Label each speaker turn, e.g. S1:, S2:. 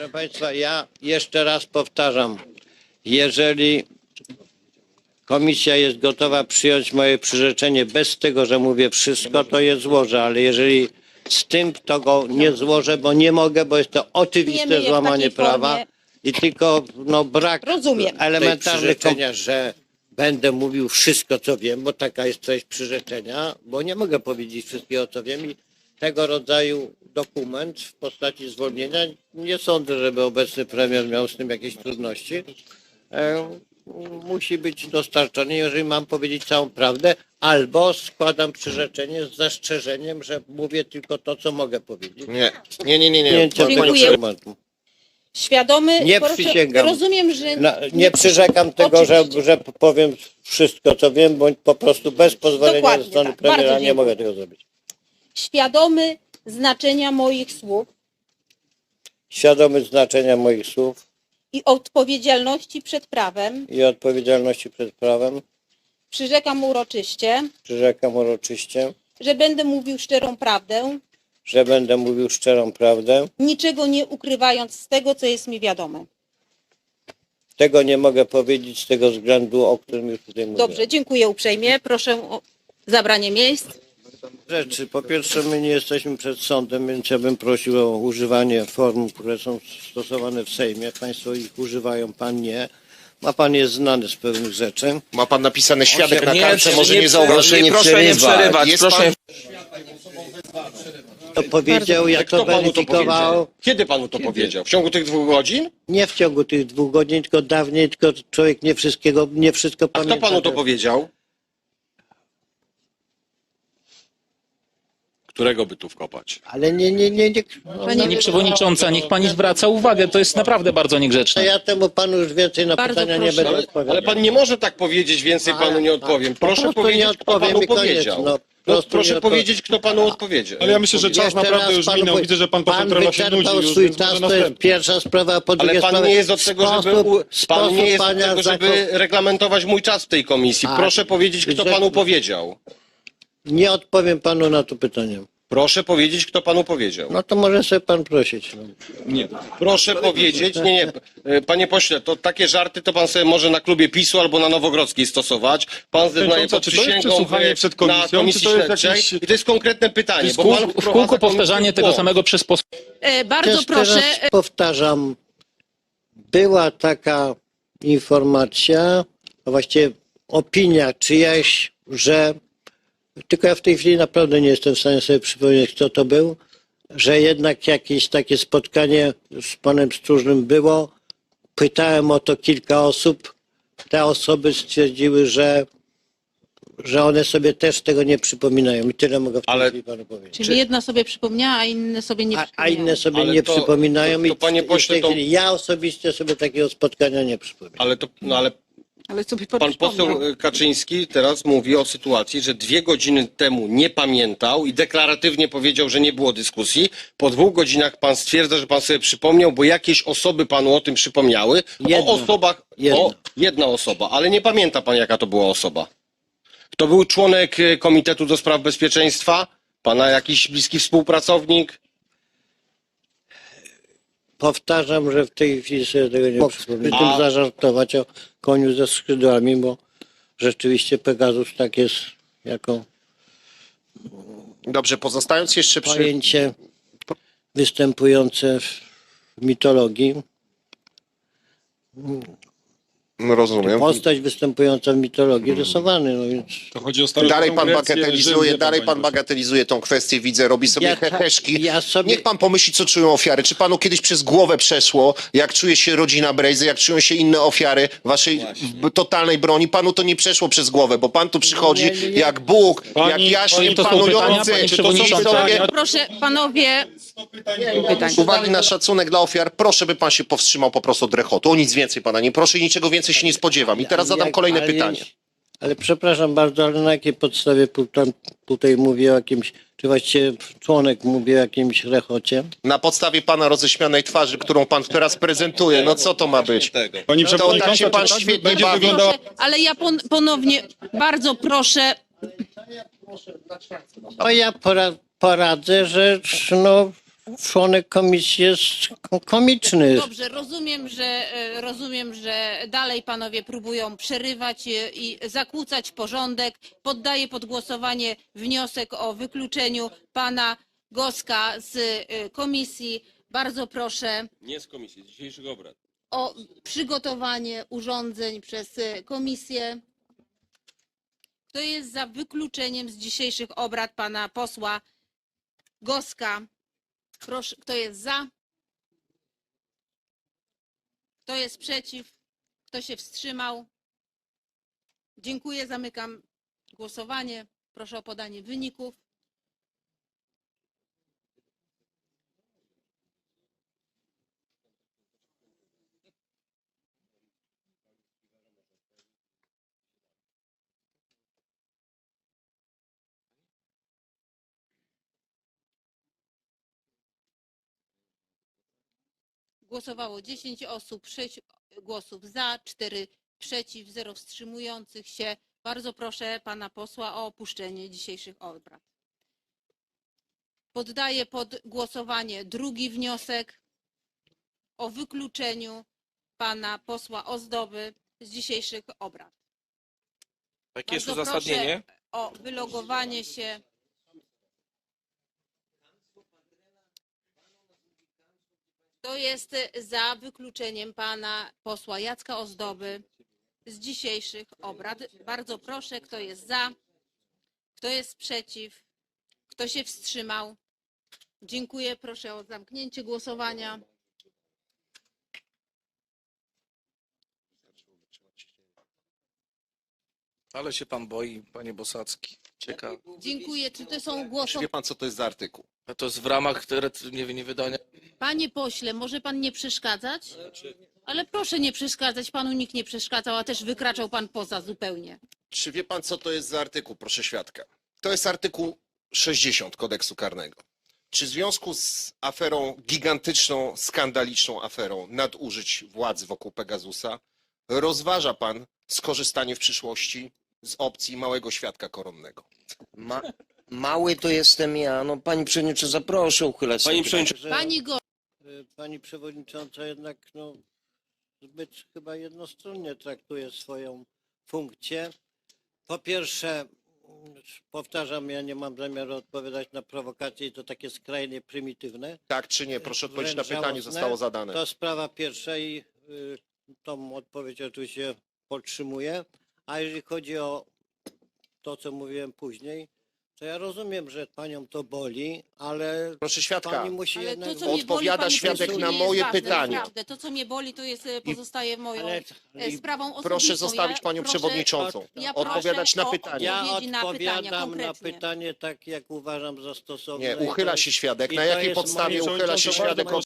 S1: Proszę Państwa, ja jeszcze raz powtarzam, jeżeli komisja jest gotowa przyjąć moje przyrzeczenie bez tego, że mówię wszystko, to je złożę, ale jeżeli z tym, to go nie złożę, bo nie mogę, bo jest to oczywiste złamanie prawa i tylko brak elementarnych przyrzeczenia, że będę mówił wszystko, co wiem, bo taka jest treść przyrzeczenia, bo nie mogę powiedzieć wszystkiego, co wiem i tego rodzaju dokument w postaci zwolnienia, nie sądzę, żeby obecny premier miał z tym jakieś trudności, musi być dostarczony, jeżeli mam powiedzieć całą prawdę, albo składam przyrzeczenie z zastrzeżeniem, że mówię tylko to, co mogę powiedzieć.
S2: Nie.
S3: Dziękuję. Świadomy,
S1: Nie przysięgam.
S3: Rozumiem, że
S1: Nie przyrzekam tego, że powiem wszystko, co wiem, bądź po prostu bez pozwolenia
S3: Dokładnie
S1: ze strony
S3: tak.
S1: premiera
S3: Bardzo
S1: nie mogę
S3: dziękuję.
S1: tego zrobić.
S3: świadomy znaczenia moich słów
S1: Świadomy znaczenia moich słów
S3: i odpowiedzialności przed prawem,
S1: i odpowiedzialności przed prawem,
S3: przyrzekam uroczyście,
S1: przyrzekam uroczyście,
S3: że będę mówił szczerą prawdę,
S1: że będę mówił szczerą prawdę.
S3: niczego nie ukrywając z tego, co jest mi wiadome.
S1: Tego nie mogę powiedzieć z tego względu, o którym już tutaj mówiłem.
S3: Dobrze, dziękuję uprzejmie. Proszę o zabranie miejsc.
S1: Rzeczy. Po pierwsze, my nie jesteśmy przed sądem, więc ja bym prosił o używanie form, które są stosowane w Sejmie. Państwo ich używają, pan nie. A pan jest znany z pewnych rzeczy.
S2: Ma pan napisane świadek na
S4: Nie,
S2: kartce, może nie
S4: proszę
S2: zauważyć.
S4: nie przerywać.
S2: Jest
S4: Proszę.
S1: To powiedział, ja
S2: Kto
S1: to
S2: panu to
S1: weryfikował.
S2: powiedział? Kiedy panu to powiedział? W ciągu tych 2 godzin?
S1: Nie w ciągu tych 2 godzin, tylko dawniej, tylko człowiek nie wszystko
S2: A
S1: pamięta.
S2: kto panu to powiedział?
S4: Którego by tu wkopać?
S1: Ale nie.
S5: Pani przewodnicząca, niech pani zwraca uwagę, to jest naprawdę bardzo niegrzeczne.
S1: Ja temu panu już więcej na
S3: Bardzo
S1: pytania nie
S3: proszę.
S1: będę odpowiadał.
S2: Ale pan nie może tak powiedzieć, więcej panu nie odpowiem.
S1: Po
S2: Proszę
S1: prostu
S2: powiedzieć,
S1: nie
S2: kto
S1: odpowiem
S2: panu
S1: i koniec,
S2: powiedział.
S1: no. Po prostu
S2: Proszę
S1: nie odpowiem.
S2: powiedzieć, kto panu odpowiedział.
S6: Ale ja myślę, że czas
S1: Jeszcze
S6: naprawdę
S1: raz
S6: już
S1: panu
S6: minął.
S1: powiem,
S6: Widzę, że pan poseł trochę się nudzi
S1: wyczerpał
S6: już,
S1: swój
S6: więc
S1: czas,
S6: może
S1: to jest
S6: następny.
S1: pierwsza sprawa, a po
S2: Ale
S1: drugie
S2: pan
S1: sprawa,
S2: nie jest od tego, pan nie jest od tego, żeby reglamentować mój czas w tej komisji.
S1: A,
S2: Proszę powiedzieć, kto
S1: że-
S2: panu powiedział.
S1: Nie odpowiem panu na to pytanie.
S2: Proszę powiedzieć, kto panu powiedział.
S1: No to może sobie pan prosić. No.
S6: Nie.
S2: Proszę powiedzieć, nie, panie pośle, to takie żarty to pan sobie może na klubie PiS-u albo na Nowogrodzkiej stosować. Pan zeznaje pod
S6: Czy to jest
S2: przysięgą
S6: przesłuchanie przed komisją,
S2: na komisji
S6: czy to jest
S2: śledczej
S6: jakiś-
S2: i to jest konkretne pytanie.
S5: W
S2: Bo pan
S5: kółko
S2: wprowadza
S5: powtarzanie
S2: komisję w
S5: tego
S2: błąd.
S5: samego przez posłów.
S3: Bardzo
S1: Też
S3: proszę.
S1: teraz powtarzam, była taka informacja, a właściwie opinia czyjaś, że, tylko ja w tej chwili naprawdę nie jestem w stanie sobie przypomnieć, kto to był, że jednak jakieś takie spotkanie z panem Stróżnym było. Pytałem o to kilka osób. Te osoby stwierdziły, że one sobie też tego nie przypominają. I tyle mogę w tej
S2: Ale-
S1: chwili panu powiedzieć.
S3: Czyli jedna sobie przypomniała, a inne sobie nie
S1: A
S3: przypomniały.
S1: inne sobie
S2: Ale
S1: nie
S2: to-
S1: przypominają
S2: to, panie
S1: i w
S2: pośle,
S1: tej
S2: to-
S1: chwili ja osobiście sobie takiego spotkania nie przypominam.
S2: Ale
S3: Ale sobie
S2: pan poseł Kaczyński teraz mówi o sytuacji, że 2 godziny temu nie pamiętał i deklaratywnie powiedział, że nie było dyskusji. Po 2 godzinach pan stwierdza, że pan sobie przypomniał, bo jakieś osoby panu o tym przypomniały.
S1: Jedna.
S2: O osobach, jedna osoba, ale nie pamięta pan, jaka to była osoba. To był członek Komitetu do Spraw Bezpieczeństwa? Pana jakiś bliski współpracownik?
S1: Powtarzam, że w tej chwili sobie tego nie przypominam. Przy tym zażartować o koniu ze skrzydłami, bo rzeczywiście Pegasus tak jest jako
S2: Dobrze, pozostając jeszcze przy...
S1: pojęcie występujące w mitologii.
S2: Rozumiem.
S1: Postać występująca w mitologii rysowany, no więc
S6: To chodzi o starożytną
S2: Dalej pan
S6: Grecję,
S2: bagatelizuje,
S6: Rzym,
S2: dalej
S6: wie
S2: pan
S6: panie
S2: bagatelizuje tą kwestię, widzę, robi sobie
S1: Ja-
S2: heheszki.
S1: ja sobie-
S2: Niech pan pomyśli, co czują ofiary. Czy panu kiedyś przez głowę przeszło, jak czuje się rodzina Brejzy, jak czują się inne ofiary waszej totalnej broni? Panu to nie przeszło przez głowę, bo pan tu przychodzi
S1: Nie.
S2: jak Bóg, jak
S6: Pani-
S2: jaśnie
S5: to są pytania,
S2: panujący.
S5: pani
S2: Czy to są
S5: przewodnicząca?
S2: historie?
S3: Proszę, panowie. Pytań.
S2: Z uwagi na szacunek dla ofiar, proszę, by pan się powstrzymał po prostu od rechotu. O nic więcej pana nie proszę i niczego więcej się nie spodziewam. I teraz zadam kolejne pytanie.
S1: Ale przepraszam bardzo, ale na jakiej podstawie pan tutaj mówi o jakimś, czy właściwie członek mówi o jakimś rechocie?
S2: Na podstawie pana roześmianej twarzy, którą pan teraz prezentuje, no co to ma być?
S6: Pani
S2: To tak
S6: przewodnicząca,
S2: się pan
S6: czy tak
S2: świetnie
S6: będzie
S2: bawi.
S6: wyglądała...
S3: Proszę, ale ja ponownie bardzo proszę.
S1: No ja poradzę, że no, członek komisji jest komiczny.
S3: Dobrze, rozumiem, że dalej panowie próbują przerywać i zakłócać porządek. Poddaję pod głosowanie wniosek o wykluczeniu pana Goska z komisji. Bardzo proszę
S4: Nie z komisji, z dzisiejszych obrad.
S3: o przygotowanie urządzeń przez komisję. Kto jest za wykluczeniem z dzisiejszych obrad pana posła Goska? Proszę, kto jest za? Kto jest przeciw? Kto się wstrzymał? Dziękuję, zamykam głosowanie. Proszę o podanie wyników. Głosowało 10 osób, 6 głosów za, 4 przeciw, 0 wstrzymujących się. Bardzo proszę pana posła o opuszczenie dzisiejszych obrad. Poddaję pod głosowanie drugi wniosek o wykluczeniu pana posła Ozdoby z dzisiejszych obrad.
S7: Jakie jest
S3: Bardzo
S7: uzasadnienie?
S3: proszę o wylogowanie się. Kto jest za wykluczeniem pana posła Jacka Ozdoby z dzisiejszych obrad? Bardzo proszę, kto jest za, kto jest przeciw, kto się wstrzymał? Dziękuję, proszę o zamknięcie głosowania.
S7: Ale się pan boi, panie Bosacki. Ciekawe.
S3: Dziękuję. Czy to są głosy?
S8: Wie pan, co to jest za artykuł?
S7: A to jest w ramach nie wydania.
S3: Panie pośle, może pan nie przeszkadzać? Ale proszę nie przeszkadzać, panu nikt nie przeszkadzał, a też wykraczał pan poza zupełnie.
S8: Czy wie pan, co to jest za artykuł, proszę świadka? To jest artykuł 60 kodeksu karnego. Czy w związku z aferą, gigantyczną, skandaliczną aferą nadużyć władzy wokół Pegasusa rozważa pan skorzystanie w przyszłości z opcji małego świadka koronnego?
S9: Mały to jestem ja. No pani przewodnicząca, proszę uchylać
S4: Pani
S9: sobie.
S4: przewodnicząca,
S3: Pani Go.
S1: Pani przewodnicząca jednak zbyt chyba jednostronnie traktuje swoją funkcję. Po pierwsze, powtarzam, ja nie mam zamiaru odpowiadać na prowokacje i to takie skrajnie prymitywne.
S8: Tak czy nie? Proszę odpowiedzieć na
S1: Wręcz
S8: pytanie,
S1: żałosne.
S8: zostało zadane.
S1: To sprawa pierwsza i tą odpowiedź oczywiście podtrzymuję. A jeżeli chodzi o to, co mówiłem później, to ja rozumiem, że panią to boli, ale
S8: Proszę świadka,
S1: pani musi
S3: Ale
S1: jednak...
S3: to, co mnie boli,
S8: Odpowiada
S3: panie
S8: świadek
S3: pośle,
S8: na
S3: nie
S8: moje
S3: jest ważne,
S8: pytanie.
S3: naprawdę. To, co mnie boli, to jest pozostaje moją
S1: Ale-
S3: sprawą osobistą.
S8: proszę zostawić
S3: Ja
S8: panią
S3: proszę-
S8: przewodniczącą.
S3: Ja
S8: Odpowiadać
S3: proszę
S8: na
S3: o
S8: pytanie.
S1: Ja
S3: odpowiedzi na pytania
S1: odpowiadam na
S3: konkretnie.
S1: pytanie tak, jak uważam za stosowne.
S8: Nie,
S1: I to
S8: uchyla
S1: jest-
S8: się świadek.
S1: i
S8: Na
S1: to
S8: jakiej
S1: jest
S8: podstawie
S1: moje-
S8: uchyla się świadek od